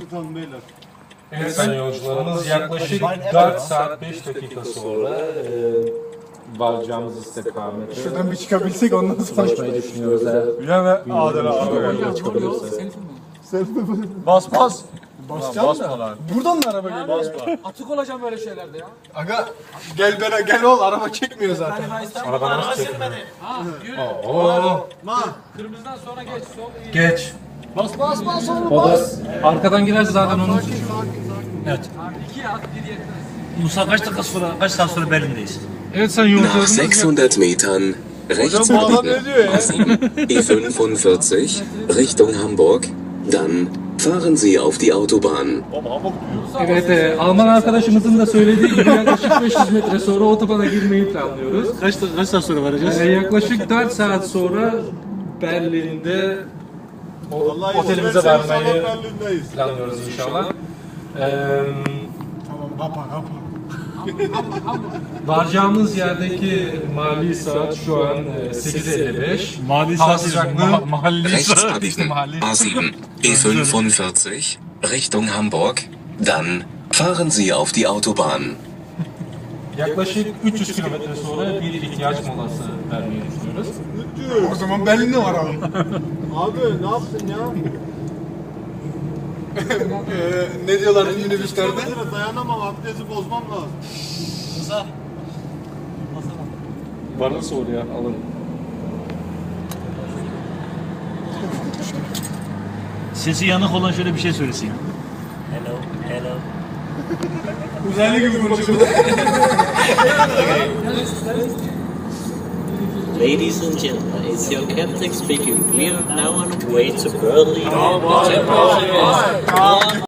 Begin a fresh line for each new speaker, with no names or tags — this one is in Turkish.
Tutalım beyler.
Evet sayın yolcularımız yaklaşık 4 saat 5 dakika sonra varacağımız istikamete
Şuradan bir çıkabilsek ondan sonra.
ulaşmayı düşünüyoruz. Eğer
Ya ve Adel abi.
yola çıkabilirsek.
Bas bas.
Basma lan.
Buradan mı araba geliyor?
Basma.
Atık olacağım böyle şeylerde ya.
Aga gel ol araba çekmiyor zaten.
Araba nasıl çekmiyor?
Ha yürü. Kırmızıdan sonra geç. Sol iyi.
Geç.
Bas oğlum.
O da arkadan girerse zaten onun için.
Evet.
2 at 1 yetmez.
Musa kaç saat sonra Berlin'deyiz?
Evet sayın
Nach
yolcularımız
600 Metern rechts
bu adam ne
abbiegen.
diyor ya?
E45 Richtung Hamburg. Dann fahren Sie auf die Autobahn.
Evet, Alman arkadaşımızın da söylediği gibi yaklaşık 500 metre sonra otobana girmeyi planlıyoruz.
Kaç saat sonra varacağız?
Yaklaşık 4 saat sonra Berlin'de otelimize varmayı
Berlin'deyiz.
planlıyoruz inşallah.
Tamam kapa.
Varacağımız yerdeki mali saat şu an 8:55.
Mali
Hava
saat
sıcaklığı
mahalli
Rechts
saat.
abbiegen. A7 E45 Richtung Hamburg. Dann fahren Sie auf die Autobahn.
yaklaşık 300 kilometre sonra bir ihtiyaç molası vermeyi düşünüyoruz.
O zaman Berlin'de varalım.
Abi ne yaptın ya?
Ne diyorlar minibüslerde?
Dayanamam, abdesti bozmam lazım.
Bana sor ya, alın.
Sesi yanık olan şöyle bir şey söylesin. Hello, hello.
Uzaylı gibi konuşuyor.
Ladies and gentlemen, it's your captain speaking. We are now on the way to Berlin.